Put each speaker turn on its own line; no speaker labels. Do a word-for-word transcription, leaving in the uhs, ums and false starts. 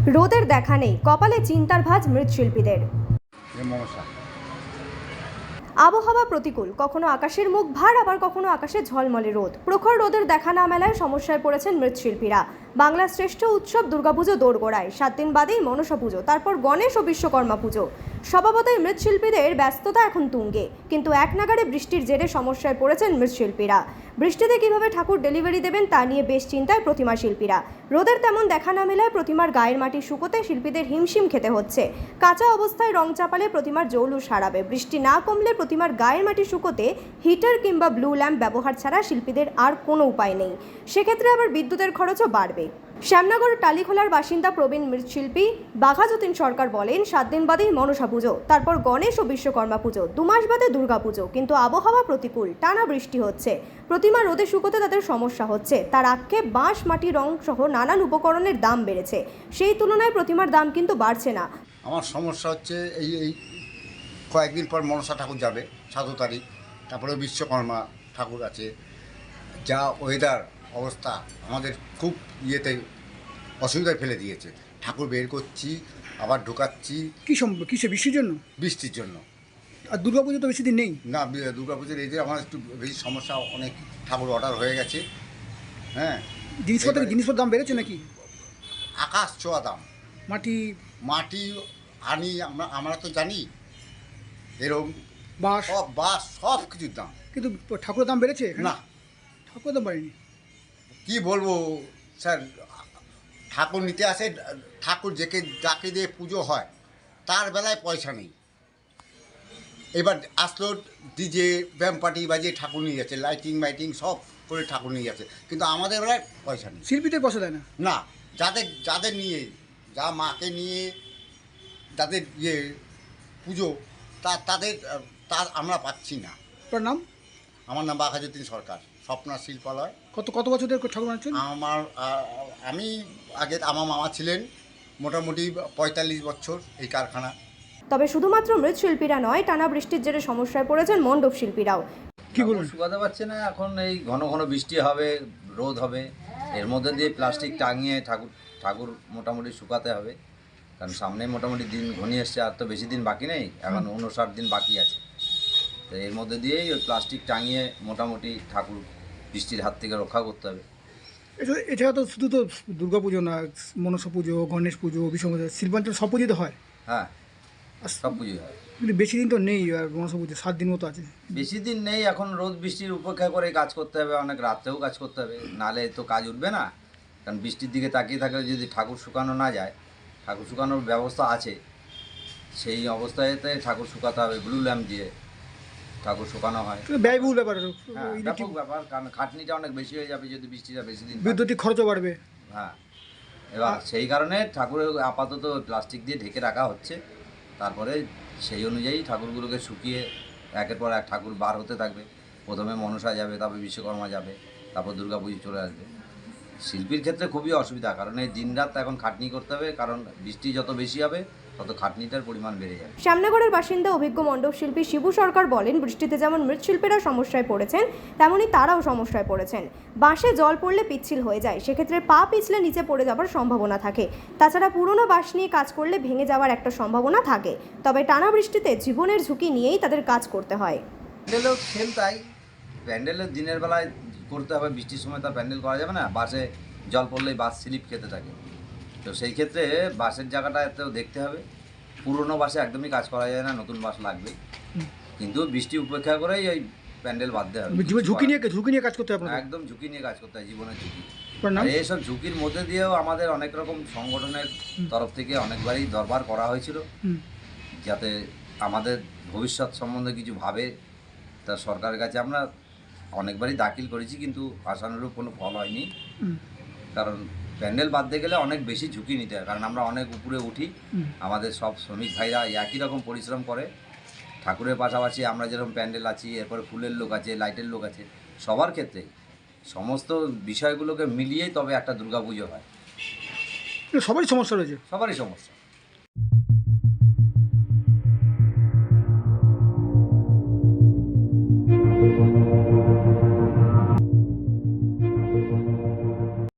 রোদের দেখা নেই, কপালে চিন্তার ভাঁজ মৃৎশিল্পীদের। আবহাওয়া প্রতিকূল, কখনো আকাশের মুখ ভার, আবার কখনো আকাশে ঝলমলে রোদ। প্রখর রোদের দেখা না মেলায় সমস্যায় পড়েছেন মৃৎশিল্পীরা। বাংলার শ্রেষ্ঠ উৎসব দুর্গাপুজো দোরগোড়ায়, সাত দিন বাদেই মনসা পুজো, তারপর গণেশ ও বিশ্বকর্মা পুজো। স্বভাবতই মৃৎশিল্পীদের ব্যস্ততা এখন তুঙ্গে, কিন্তু এক নাগাড়ে বৃষ্টির জেরে সমস্যায় পড়েছেন মৃৎশিল্পীরা। বৃষ্টিতে কিভাবে ঠাকুর ডেলিভারি দেবেন তা নিয়ে বেশ চিন্তায় প্রতিমা শিল্পীরা। রোদের তেমন দেখা না মেলায় প্রতিমার গায়ের মাটি শুকোতে শিল্পীদের হিমশিম খেতে হচ্ছে। কাঁচা অবস্থায় রং চাপালে প্রতিমার জৌলুস হারাবে। বৃষ্টি না কমলে প্রতিমার গায়ের মাটি শুকোতে হিটার কিংবা ব্লু ল্যাম্প ব্যবহার ছাড়া শিল্পীদের আর কোনো উপায় নেই। সেক্ষেত্রে আবার বিদ্যুতের খরচও বাড়বে। শ্যামনগর টালিখোলার বাসিন্দা প্রবীণ মৃৎশিল্পী বাঘা যতীন সরকার বলেন, সাত দিন বাদেই মনসা পুজো, তারপর গণেশ ও বিশ্বকর্মা পুজো, দু মাস বাদে দুর্গা পুজো, কিন্তু আবহাওয়া প্রতিকূল, টানা বৃষ্টি হচ্ছে। প্রতিমা রোদে শুকোতে তাদের সমস্যা হচ্ছে। তার আক্ষেপ, বাঁশ, মাটি, রং সহ নানান উপকরণের দাম বেড়েছে। সেই তুলনায় প্রতিমার দাম কিন্তু বাড়ছে না।
আমার সমস্যা হচ্ছে এই এই কয়েকদিন পর মনসা ঠাকুর যাবে, সাত তারিখ, তারপরে বিশ্বকর্মা ঠাকুর আছে। যা ওয়েদার অবস্থা আমাদের খুব ইয়েতে অসুবিধায় ফেলে দিয়েছে। ঠাকুর বের করছি, আবার ঢোকাচ্ছি।
কী সম্ভব কিসে বৃষ্টির জন্য?
বৃষ্টির জন্য।
আর দুর্গা পুজো তো বেশি দিন নেই।
না, দুর্গা পুজোর এই যে আমার একটু বেশি সমস্যা, অনেক ঠাকুর অর্ডার হয়ে গেছে। হ্যাঁ,
জিনিসপত্রের জিনিসপত্রের দাম বেড়েছে নাকি?
আকাশ ছোঁয়া দাম।
মাটি
মাটি আনি আমরা আমরা তো জানি এরকম
বাঁশ
সব বাস সব কিছুর দাম,
কিন্তু ঠাকুরের দাম বেড়েছে
না
ঠাকুরের দাম বাড়েনি।
কি বলবো স্যার, ঠাকুর নিতে আসে, ঠাকুর যেকে যাকে দিয়ে পুজো হয় তার বেলায় পয়সা নেই। এবার আসলো ডিজে ব্যাম পার্টি বাজিয়ে ঠাকুর নিয়ে যাচ্ছে, লাইটিং মাইটিং সব করে ঠাকুর নিয়ে যাচ্ছে, কিন্তু আমাদের বেলায় পয়সা নেই।
শিল্পীদের পয়সা দেয় না।
না, যাদের যাদের নিয়ে, যা মাকে নিয়ে যাদের ইয়ে পুজো, তা তাদের তা আমরা পাচ্ছি না।
আপনার নাম?
আমার নাম বাঘা যতীন সরকার, স্বপ্না শিল্পালয়।
কত কত বছর ধরে ঠাকুর বানাচ্ছেন?
আমার আমি আগে আমার মামা ছিলেন, মোটামুটি পঁয়তাল্লিশ বছর এই কারখানা।
তবে শুধুমাত্র মৃৎশিল্পীরা নয়, টানা বৃষ্টির জেরে সমস্যায় পড়েছেন মণ্ডপ শিল্পীরাও।
কি বলুন?
শুকাতে পারছে না, এখন এই ঘন ঘন বৃষ্টি হবে, রোদ হবে, এর মধ্যে দিয়ে প্লাস্টিক টাঙিয়ে ঠাকুর ঠাকুর মোটামুটি শুকাতে হবে। কারণ সামনে মোটামুটি দিন ঘনিয়ে এসছে, আর তো বেশি দিন বাকি নেই, এখন উনষাট দিন বাকি আছে। তো এর মধ্যে দিয়েই ওই প্লাস্টিক টাঙিয়ে মোটামুটি ঠাকুর বৃষ্টির হাত থেকে রক্ষা করতে হবে।
এছাড়া তো শুধু তো দুর্গা পুজো না, মনসা পুজো, গণেশ পুজো, বিশ্বকর্মা পুজো, শিল্পাঞ্চল সব পুজোই তো হয়।
হ্যাঁ, সব পুজোই হয়,
কিন্তু বেশি দিন তো নেই। আর মনসা পুজো সাত দিন মতো আছে।
বেশি দিন নেই, এখন রোদ বৃষ্টির উপেক্ষা করে কাজ করতে হবে, অনেক রাত্রেও কাজ করতে হবে, নাহলে তো কাজ উঠবে না। কারণ বৃষ্টির দিকে তাকিয়ে থাকলে যদি ঠাকুর শুকানো না যায়, ঠাকুর শুকানোর ব্যবস্থা আছে, সেই অবস্থাতে ঠাকুর শুকাতে হবে, ব্লু ল্যাম্প দিয়ে ঠাকুর শুকানো হয়।
ব্যয়বহুল ব্যাপার,
হ্যাঁ, ব্যাপক ব্যাপার, কারণ খাটনিটা অনেক বেশি হয়ে যাবে যদি বৃষ্টিটা বেশি দিন।
বিদ্যুতিক খরচও বাড়বে।
হ্যাঁ, এবার সেই কারণে ঠাকুরের আপাতত প্লাস্টিক দিয়ে ঢেকে রাখা হচ্ছে। তারপরে সেই অনুযায়ী ঠাকুরগুলোকে শুকিয়ে একের পর এক ঠাকুর বার হতে থাকবে। প্রথমে মনসা যাবে, তারপর বিশ্বকর্মা যাবে, তারপর দুর্গা পুজো চলে আসবে। শিল্পীর ক্ষেত্রে খুবই অসুবিধা, কারণ এই দিন রাত এখন খাটনি করতে হবে, কারণ বৃষ্টি যত বেশি হবে তত খাটনিটার পরিমাণ বেড়ে যাবে।
শ্যামনগরের বাসিন্দা অভিজ্ঞ মণ্ডপ শিল্পী শিবু সরকার বলেন, বৃষ্টিতে যেমন মৃৎশিল্পীরা সমস্যায় পড়েছেন, তেমনই তারাও সমস্যায় পড়েছেন। বাঁশে জল পড়লে পিচ্ছিল হয়ে যায়, সেক্ষেত্রে পা পিছলে নিচে পড়ে যাওয়ার সম্ভাবনা থাকে। তাছাড়া পুরনো বাঁশ নিয়ে কাজ করলে ভেঙে যাওয়ার একটা সম্ভাবনা থাকে। তবে টানা বৃষ্টিতে জীবনের ঝুঁকি নিয়েই তাদের কাজ করতে হয়।
প্যান্ডেলও সেম তাই, প্যান্ডেলের দিনের বেলায় করতে হবে, বৃষ্টির সময় তার প্যান্ডেল করা যাবে না, বাসে জল পড়লেই বাস স্লিপ খেতে থাকে। তো সেই ক্ষেত্রে বাসের জায়গাটাতেও দেখতে হবে। পুরনো বাসে একদমই কাজ করা যায় না, নতুন বাস লাগবে, কিন্তু বৃষ্টি উপেক্ষা করেই ওই প্যান্ডেল বাঁধতে হবে।
ঝুঁকি নিয়ে ঝুঁকি নিয়ে কাজ করতে হবে,
একদম ঝুঁকি নিয়ে কাজ করতে হয়, জীবনের ঝুঁকি।
আর
এইসব ঝুঁকির মধ্যে দিয়েও আমাদের অনেক রকম সংগঠনের তরফ থেকে অনেকবারই দরবার করা হয়েছিল, যাতে আমাদের ভবিষ্যৎ সম্বন্ধে কিছু ভাবে। তা সরকারের কাছে আমরা অনেকবারই দাখিল করেছি, কিন্তু আশানুরূপ কোনো ফল হয়নি। কারণ প্যান্ডেল বাঁধতে গেলে অনেক বেশি ঝুঁকি নিতে হয়, কারণ আমরা অনেক উপরে উঠি, আমাদের সব শ্রমিক ভাইরা একই রকম পরিশ্রম করে। ঠাকুরের পাশাপাশি আমরা যেরকম প্যান্ডেল আছি, এরপরে ফুলের লোক আছে, লাইটের লোক আছে, সবার ক্ষেত্রে সমস্ত বিষয়গুলোকে মিলিয়েই তবে একটা দুর্গাপুজো হয়।
সবারই সমস্যা রয়েছে,
সবারই সমস্যা।